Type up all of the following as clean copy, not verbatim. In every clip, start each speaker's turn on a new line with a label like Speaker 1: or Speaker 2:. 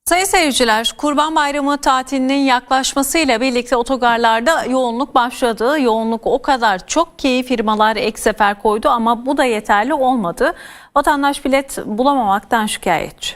Speaker 1: Sayın seyirciler, Kurban Bayramı tatilinin yaklaşmasıyla birlikte otogarlarda yoğunluk başladı. Yoğunluk o kadar çok ki firmalar ek sefer koydu ama bu da yeterli olmadı. Vatandaş bilet bulamamaktan şikayetçi.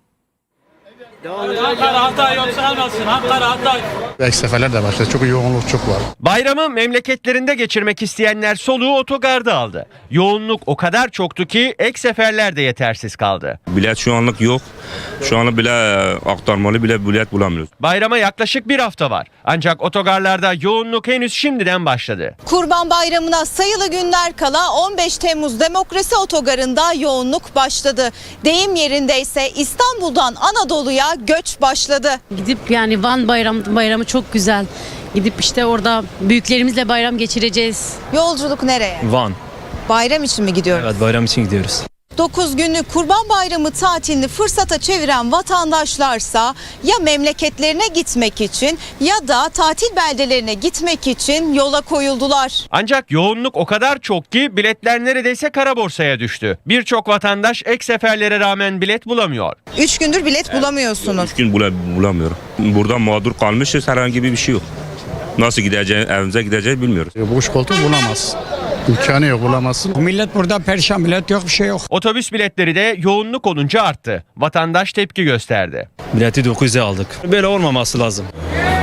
Speaker 2: Ankara Hatay yoksa almasın. Ankara Hatay.
Speaker 3: Ek seferler de başladı. Çok yoğunluk çok var.
Speaker 4: Bayramı memleketlerinde geçirmek isteyenler soluğu otogarda aldı. Yoğunluk o kadar çoktu ki ek seferler de yetersiz kaldı.
Speaker 5: Bilet şu anlık yok. Şu anlık bile aktarmalı bile bilet bulamıyoruz.
Speaker 4: Bayrama yaklaşık bir hafta var. Ancak otogarlarda yoğunluk henüz şimdiden başladı.
Speaker 6: Kurban Bayramı'na sayılı günler kala 15 Temmuz Demokrasi Otogarı'nda yoğunluk başladı. Deyim yerinde ise İstanbul'dan Anadolu'ya göç başladı.
Speaker 7: Gidip yani Van bayramı çok güzel. Gidip işte orada büyüklerimizle bayram geçireceğiz.
Speaker 6: Yolculuk nereye?
Speaker 8: Van.
Speaker 6: Bayram için mi gidiyoruz?
Speaker 8: Evet, bayram için gidiyoruz.
Speaker 6: 9 günlük Kurban Bayramı tatilini fırsata çeviren vatandaşlarsa ya memleketlerine gitmek için ya da tatil beldelerine gitmek için yola koyuldular.
Speaker 4: Ancak yoğunluk o kadar çok ki biletler neredeyse kara borsaya düştü. Birçok vatandaş ek seferlere rağmen bilet bulamıyor.
Speaker 6: 3 gündür bilet bulamıyorsunuz.
Speaker 5: 3 gün bulamıyorum. Burada mağdur kalmışız, herhangi bir şey yok. Nasıl gideceğiz, evimize gideceğiz bilmiyoruz.
Speaker 3: Boş koltuk bulamaz. İmkanı yok, bulamazsın.
Speaker 9: Millet burada perişan, millet yok, bir şey yok.
Speaker 4: Otobüs biletleri de yoğunluk olunca arttı. Vatandaş tepki gösterdi.
Speaker 8: Bileti 9'a aldık. Böyle olmaması lazım.